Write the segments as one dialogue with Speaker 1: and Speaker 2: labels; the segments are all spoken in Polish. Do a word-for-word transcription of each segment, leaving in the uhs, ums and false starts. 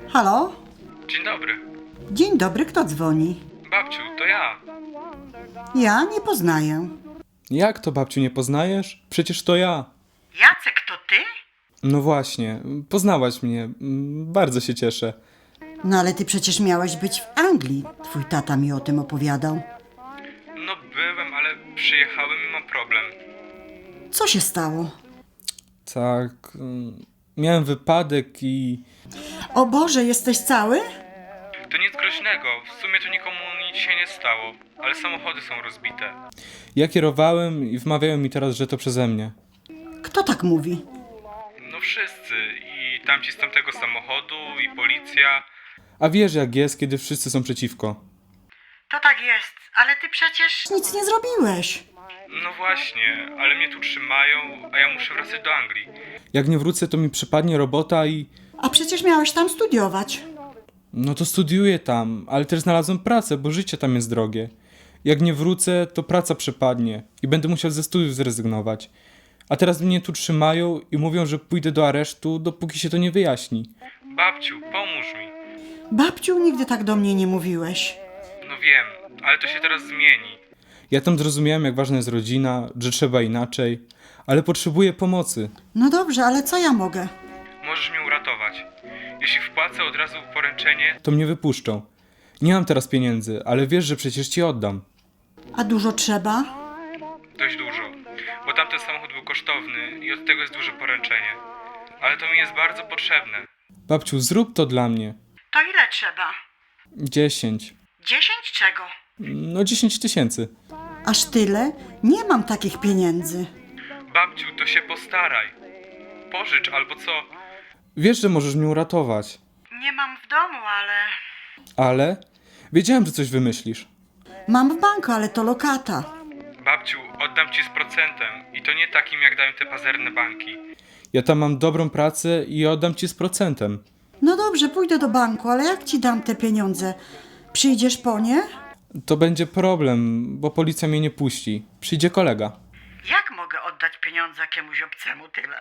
Speaker 1: Halo?
Speaker 2: Dzień dobry.
Speaker 1: Dzień dobry, kto dzwoni?
Speaker 2: Babciu, to ja.
Speaker 1: Ja nie poznaję.
Speaker 3: Jak to, babciu, nie poznajesz? Przecież to ja.
Speaker 1: Jacek, to ty?
Speaker 3: No właśnie, poznałaś mnie. Mm, Bardzo się cieszę.
Speaker 1: No ale ty przecież miałeś być w Anglii. Twój tata mi o tym opowiadał.
Speaker 2: No byłem, ale przyjechałem i mam problem.
Speaker 1: Co się stało?
Speaker 3: Tak, mm, miałem wypadek i...
Speaker 1: O Boże, jesteś cały?
Speaker 2: To nic groźnego, w sumie to nikomu nic się nie stało, ale samochody są rozbite.
Speaker 3: Ja kierowałem i wmawiają mi teraz, że to przeze mnie.
Speaker 1: Kto tak mówi?
Speaker 2: No wszyscy, i tamci z tamtego samochodu, i policja.
Speaker 3: A wiesz jak jest, kiedy wszyscy są przeciwko.
Speaker 1: To tak jest, ale ty przecież nic nie zrobiłeś.
Speaker 2: No właśnie, ale mnie tu trzymają, a ja muszę wracać do Anglii.
Speaker 3: Jak nie wrócę, to mi przypadnie robota i...
Speaker 1: A przecież miałeś tam studiować.
Speaker 3: No to studiuję tam, ale też znalazłem pracę, bo życie tam jest drogie. Jak nie wrócę, to praca przepadnie i będę musiał ze studiów zrezygnować. A teraz mnie tu trzymają i mówią, że pójdę do aresztu, dopóki się to nie wyjaśni.
Speaker 2: Babciu, pomóż mi.
Speaker 1: Babciu, nigdy tak do mnie nie mówiłeś.
Speaker 2: No wiem, ale to się teraz zmieni.
Speaker 3: Ja tam zrozumiałem, jak ważna jest rodzina, że trzeba inaczej, ale potrzebuję pomocy.
Speaker 1: No dobrze, ale co ja mogę?
Speaker 2: Możesz mnie uratować. Jeśli wpłacę od razu poręczenie,
Speaker 3: To mnie wypuszczą. Nie mam teraz pieniędzy, ale wiesz, że przecież ci oddam.
Speaker 1: A dużo trzeba?
Speaker 2: dość dużo, bo tamten samochód był kosztowny i od tego jest duże poręczenie. Ale to mi jest bardzo potrzebne.
Speaker 3: Babciu, zrób to dla mnie.
Speaker 1: To ile trzeba?
Speaker 3: Dziesięć.
Speaker 1: Dziesięć czego?
Speaker 3: No dziesięć tysięcy.
Speaker 1: Aż tyle? Nie mam takich pieniędzy.
Speaker 2: Babciu, to się postaraj. Pożycz albo co?
Speaker 3: Wiesz, że możesz mnie uratować.
Speaker 1: Nie mam w domu, ale...
Speaker 3: Ale wiedziałem, że coś wymyślisz.
Speaker 1: Mam w banku, ale to lokata.
Speaker 2: Babciu, oddam ci z procentem i to nie takim jak dają te pazerne banki.
Speaker 3: Ja tam mam dobrą pracę i oddam ci z procentem.
Speaker 1: No dobrze, pójdę do banku, ale jak ci dam te pieniądze? Przyjdziesz po nie?
Speaker 3: To będzie problem, bo policja mnie nie puści. Przyjdzie kolega.
Speaker 1: Jak mogę oddać pieniądze jakiemuś obcemu tyle?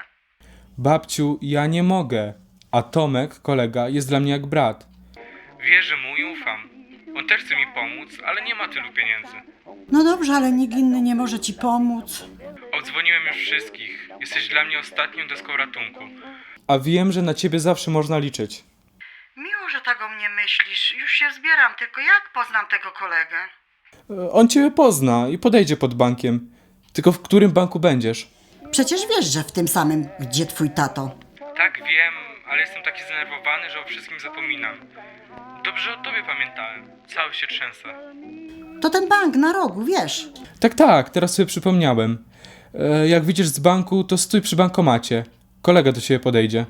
Speaker 3: Babciu, ja nie mogę. A Tomek, kolega, jest dla mnie jak brat.
Speaker 2: Wierzę mu i ufam. On też chce mi pomóc, ale nie ma tylu pieniędzy.
Speaker 1: No dobrze, ale nikt inny nie może ci pomóc.
Speaker 2: Obdzwoniłem już wszystkich. Jesteś dla mnie ostatnią deską ratunku.
Speaker 3: A wiem, że na ciebie zawsze można liczyć.
Speaker 1: Miło, że tak o mnie myślisz. Już się zbieram, tylko jak poznam tego kolegę?
Speaker 3: E, On ciebie pozna i podejdzie pod bankiem. Tylko w którym banku będziesz?
Speaker 1: Przecież wiesz, że w tym samym, gdzie twój tato.
Speaker 2: Tak wiem, ale jestem taki zdenerwowany, że o wszystkim zapominam. Dobrze o tobie pamiętałem. Cały się trzęsę.
Speaker 1: To ten bank na rogu, wiesz.
Speaker 3: Tak, tak, teraz sobie przypomniałem. E, Jak widzisz z banku, to stój przy bankomacie. Kolega do ciebie podejdzie.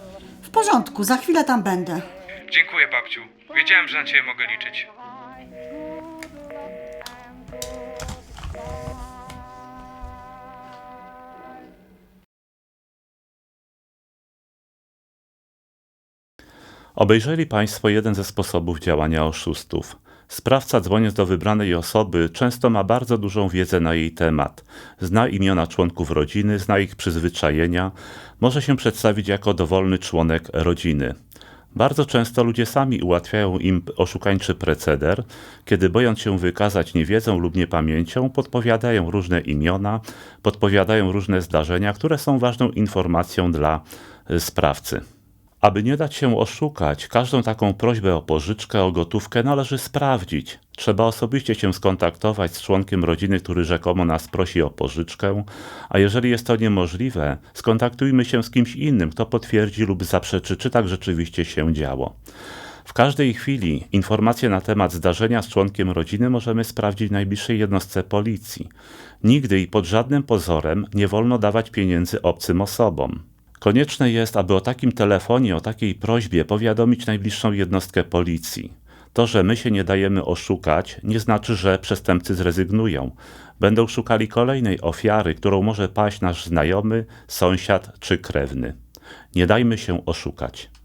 Speaker 1: W porządku, za chwilę tam będę.
Speaker 2: Dziękuję, babciu. Wiedziałem, że na ciebie mogę liczyć.
Speaker 4: Obejrzeli Państwo jeden ze sposobów działania oszustów. Sprawca, dzwoniąc do wybranej osoby, często ma bardzo dużą wiedzę na jej temat. Zna imiona członków rodziny, zna ich przyzwyczajenia, może się przedstawić jako dowolny członek rodziny. Bardzo często ludzie sami ułatwiają im oszukańczy proceder, kiedy bojąc się wykazać niewiedzą lub niepamięcią, podpowiadają różne imiona, podpowiadają różne zdarzenia, które są ważną informacją dla y, sprawcy. Aby nie dać się oszukać, każdą taką prośbę o pożyczkę, o gotówkę należy sprawdzić. Trzeba osobiście się skontaktować z członkiem rodziny, który rzekomo nas prosi o pożyczkę, a jeżeli jest to niemożliwe, skontaktujmy się z kimś innym, kto potwierdzi lub zaprzeczy, czy tak rzeczywiście się działo. W każdej chwili informacje na temat zdarzenia z członkiem rodziny możemy sprawdzić w najbliższej jednostce policji. Nigdy i pod żadnym pozorem nie wolno dawać pieniędzy obcym osobom. Konieczne jest, aby o takim telefonie, o takiej prośbie powiadomić najbliższą jednostkę policji. To, że my się nie dajemy oszukać, nie znaczy, że przestępcy zrezygnują. Będą szukali kolejnej ofiary, którą może paść nasz znajomy, sąsiad czy krewny. Nie dajmy się oszukać.